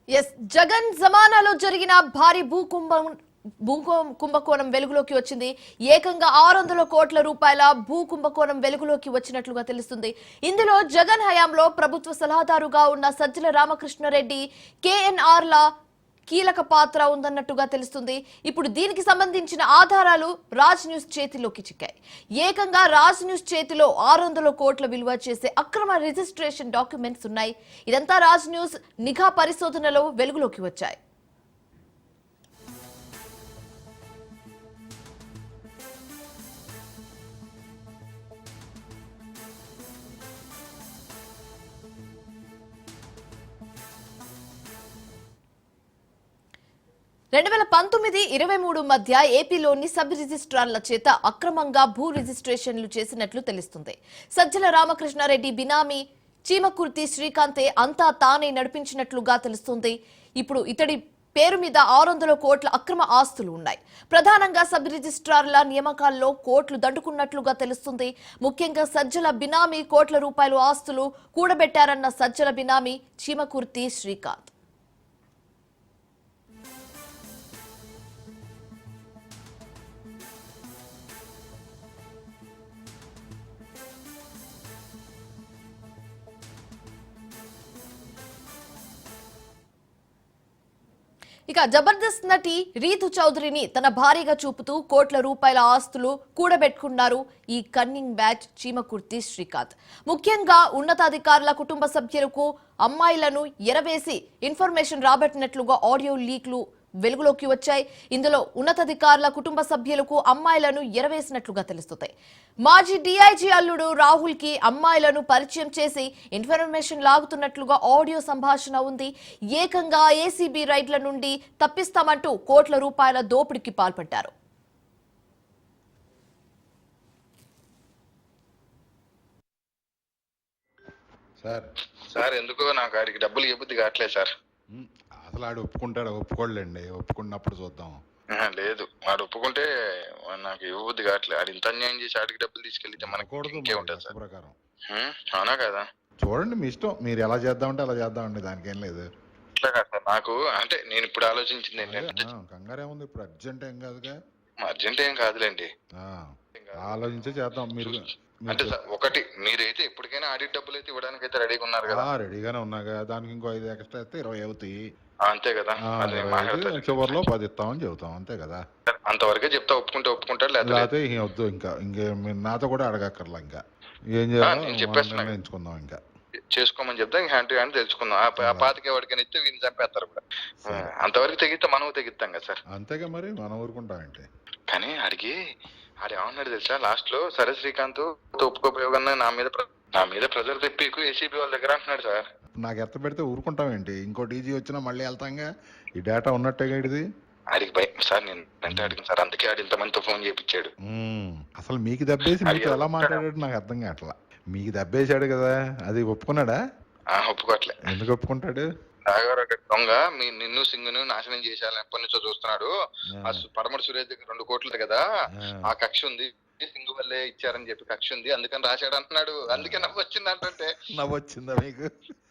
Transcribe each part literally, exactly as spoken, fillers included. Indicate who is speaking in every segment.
Speaker 1: Yes Jagan జమానాలో జరిగిన భారీ భూకుంభం భూ కుంభకోణం వెలుగులోకి వచ్చింది. ఏకంగా ఆరు వందల కోట్ల రూపాయల భూ కుంభకోణం వెలుగులోకి వచ్చినట్లుగా తెలుస్తుంది. ఇందులో జగన్ హయాంలో ప్రభుత్వ సలహాదారుగా ఉన్న సజ్జల రామకృష్ణారెడ్డి కేఎన్ఆర్ ల కీలక పాత్ర ఉందన్నట్టుగా తెలుస్తుంది. ఇప్పుడు దీనికి సంబంధించిన ఆధారాలు రాజ్ న్యూస్ చేతిలోకి చిక్కాయి. ఏకంగా రాజ్ న్యూస్ చేతిలో ఆరు వందల కోట్ల విలువ చేసే అక్రమ రిజిస్ట్రేషన్ డాక్యుమెంట్స్ ఉన్నాయి. ఇదంతా రాజ్ న్యూస్ నిఘా పరిశోధనలో వెలుగులోకి వచ్చాయి. రెండు వేల పంతొమ్మిది ఇరవై మూడు మధ్య ఏపీలోని సబ్ రిజిస్ట్రార్ల చేత అక్రమంగా భూ రిజిస్ట్రేషన్లు చేసినట్లు తెలుస్తుంది. సజ్జల రామకృష్ణారెడ్డి బినామీ చీమకుర్తి శ్రీకాంతే అంతా తానే నడిపించినట్లుగా తెలుస్తుంది. ఇప్పుడు ఇతడి పేరు మీద ఆరు వందల కోట్ల అక్రమ ఆస్తులు ఉన్నాయి. ప్రధానంగా సబ్ రిజిస్ట్రార్ల నియామకాల్లో కోట్లు దండుకున్నట్లుగా తెలుస్తుంది. ముఖ్యంగా సజ్జల బినామీ కోట్ల రూపాయల ఆస్తులు కూడబెట్టారన్న సజ్జల బినామీ చీమకుర్తి శ్రీకాంత్. ఇక జబర్దస్త్ నటి రీతు చౌదరిని తన భార్యగా చూపుతూ కోట్ల రూపాయల ఆస్తులు కూడబెట్టుకున్నారు ఈ కన్నింగ్ బ్యాచ్ చీమకుర్తి శ్రీకాంత్. ముఖ్యంగా ఉన్నతాధికారుల కుటుంబ సభ్యులకు అమ్మాయిలను ఎరవేసి ఇన్ఫర్మేషన్ రాబట్టినట్లుగా ఆడియో లీక్లు వెలుగులోకి వచ్చాయి. ఇందులో ఉన్నతాధికారుల కుటుంబ సభ్యులకు అమ్మాయిలను ఎరవేసినట్లుగా తెలుస్తుంది. మాజీ డీఐజీ అల్లుడు రాహుల్ కి అమ్మాయిలను పరిచయం చేసి ఇన్ఫర్మేషన్ లాగుతున్నట్లుగా ఆడియో సంభాషణ ఉంది. ఏకంగా ఏసీబీ రైడ్ల నుండి తప్పిస్తామంటూ కోట్ల రూపాయల దోపిడీకి పాల్పడ్డారు.
Speaker 2: సార్
Speaker 3: సార్ ఎందుకో నాకు ఆడికి డబ్బులు ఇవ్వద్దు కావట్లేదు సార్.
Speaker 2: అసలు ఆడు ఒప్పుకుంటాడు, ఒప్పుకోలేండి. ఒప్పుకున్నప్పుడు చూద్దాం.
Speaker 3: లేదు వాడు ఒప్పుకుంటే నాకు ఇవ్వద్దు కావట్లేదు. ఆడు ఇంత అన్యాయం చేసి ఆడికి డబ్బులు తీసుకెళ్తే మనకు ఇంకే ఉంటుంది సార్.
Speaker 2: ప్రకారం
Speaker 3: అవునా కదా?
Speaker 2: చూడండి మీ ఇష్టం, మీరు ఎలా చేద్దామంటే అలా చేద్దామండి, దానికి ఏం లేదు.
Speaker 3: ఇట్లా కాదు సార్, నాకు అంటే నేను ఇప్పుడు ఆలోచించింది ఏంటంటే
Speaker 2: కంగారేముంది, ఇప్పుడు అర్జెంట్ ఏం కాదుగా.
Speaker 3: అర్జెంట్ ఏం కాదులేండి,
Speaker 2: ఆలోచించే చేద్దాం. మీరు
Speaker 3: అంటే ఒకటి మీరైతే ఎప్పటికైనా ఆడిట్ డబ్బులు అయితే ఇవ్వడానికి అయితే రెడీగా ఉన్నారు కదా?
Speaker 2: రెడీగానే ఉన్నాగా. దానికి ఇంకో ఐదు ఎక్స్ట్రా అయితే ఇరవై అవుతాయి.
Speaker 3: అంతే కదా?
Speaker 2: చివరిలో పది ఇస్తామని చెబుతాం, అంతే కదా?
Speaker 3: అంతవరకే చెప్తా. ఒప్పుకుంటే ఒప్పుకుంటాడు, లేకపోతే
Speaker 2: వద్దు. ఇంకా ఇంకే మీరు నాతో కూడా అడగక్కర్లా. ఇంకా ఏం చేయాలి ఎంచుకుందాం. ఇంకా
Speaker 3: చేసుకోమని చెప్తా. హ్యాండ్ టు హ్యాండ్ తెలుసుకుందాం. ఆ పాతికే వాడికని ఇస్తే వీళ్ళు చంపేస్తారు కూడా. అంతవరకు తెగిస్తే మనం తెగిస్తాం కదా సార్?
Speaker 2: అంతేగా, మరి మనం ఊరుకుంటామంటే.
Speaker 3: కానీ ఆడికి ఆడు ఏమన్నాడు తెలుసా లాస్ట్ లో? సరే శ్రీకాంత్ ఒప్పుకోపోయోగన్నా నా మీద నా మీద ప్రెజర్ తెప్పికు ఏసీబీ వాళ్ళ దగ్గర అంటున్నాడు సార్.
Speaker 2: నాకు ఎత్త పెడితే ఊరుకుంటామేంటి? ఇంకో డీజీ వచ్చినా మళ్ళీ వెళ్తాంగా. ఈ డేటా ఉన్నట్టే ఇది.
Speaker 3: ఆడికి భయం సార్. నేను అంటే అడిగిన సార్, అందుకే ఆడి ఇంతమందితో ఫోన్ చేయించాడు.
Speaker 2: అసలు మీకు దెబ్బేసి మీతో ఎలా మాట్లాడాడు నాకు అర్థం కావట్లా. మీకు దెబ్బేసాడు కదా, అది ఒప్పుకున్నాడా?
Speaker 3: ఒప్పుకోవట్లే.
Speaker 2: ఎందుకు ఒప్పుకుంటాడు?
Speaker 3: దొంగ మీ నిన్ను సింగును నాశనం చేసేయాలని ఎప్పటి నుంచో చూస్తున్నాడు. ఆ పడమటి సురేష్ దగ్గర రెండు కోట్లు కదా, ఆ కక్ష ఉంది, సింగు వల్లే ఇచ్చారని చెప్పి కక్ష ఉంది, అందుకని రాశాడు అంటున్నాడు. అందుకే నవ్వు వచ్చింది అంటుంటే.
Speaker 2: నవ్వు వచ్చిందా మీకు?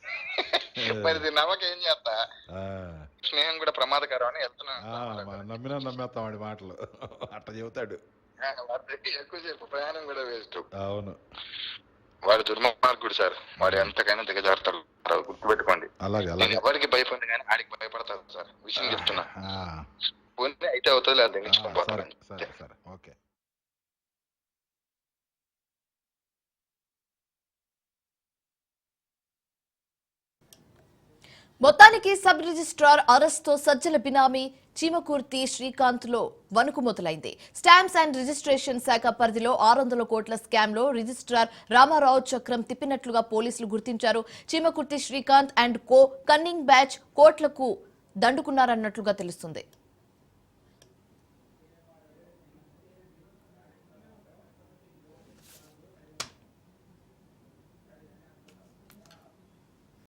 Speaker 3: మరి నవ్వక ఏం చేస్తా? స్నేహం కూడా ప్రమాదకరం అని
Speaker 2: వెళ్తున్నాను. నమ్మినా నమ్మేస్తాం వాడి మాటలు. అట్లా చెబుతాడు.
Speaker 3: ఎక్కువసేపు ప్రయాణం కూడా వేస్ట్.
Speaker 2: అవును,
Speaker 3: వాడు దుర్మార్గుడు సార్. వాడు ఎంతకైనా దిగజారుతాడు, గుర్తుపెట్టుకోండి.
Speaker 2: అలాగే అలాగే.
Speaker 3: ఎవరికి భయపడి కానీ ఆడికి భయపడతారు సార్. విషయం చెప్తున్నా. అయితే అవుతుంది, లేదా తెగించుకోవాలి.
Speaker 2: సరే సరే, ఓకే.
Speaker 1: మొత్తానికి సబ్ రిజిస్ట్రార్ అరెస్ట్ తో సజ్జల బినామీ చీమకుర్తి శ్రీకాంత్ లో వణుకు మొదలైంది. స్టాంప్స్ అండ్ రిజిస్ట్రేషన్ శాఖ పరిధిలో ఆరు వందల కోట్ల స్కామ్ లో రిజిస్ట్రార్ రామారావు చక్రం తిప్పినట్లుగా పోలీసులు గుర్తించారు. Chimakurthi Srikanth and co cunning batch కోట్లకు దండుకున్నారన్నట్లుగా తెలుస్తుంది.